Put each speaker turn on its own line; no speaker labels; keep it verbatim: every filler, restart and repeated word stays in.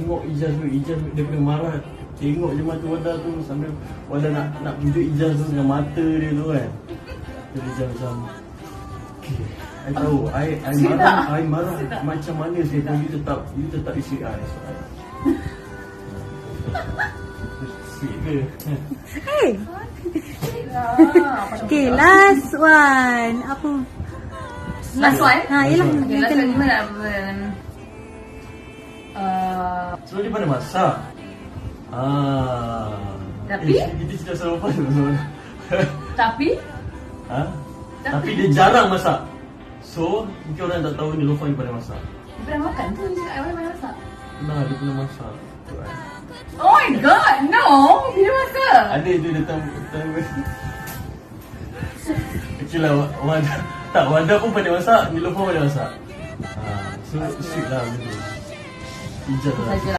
tengok Ijaz tu, Ijaz dia kena marah. Tengok je mata Wanda tu sambil Wanda nak nak pujuk Ijaz tu dengan mata dia tu kan. Dia Ijaz macam, okay, I tahu, I, I marah, I marah macam mana saya pun you tetap, you tetap isteri I. So, I sweet ke?
Hey. Okay, last one. Apa?
Last one?
Ha, yelah.
Okay, last one gimana? Uh,
So dia pandai masak. Ah.
Tapi?
Eh, kita cerita pasal apa tu?
tapi
Ha? Tapi dia jarang masak. So, mungkin orang tak tahu ni Lofa ni pandai masak.
dia pernah makan tu, dia cakap mana masak.
Nah, dia pernah masak. Tu kan.
Oh my god, no! Bila masa?
Ada tu datang datang. Okey lah, Wanda. Tak, Wanda pun pandai masak, Nilofa pandai masak. Ha, so sweet lah betul. Ijaz lah.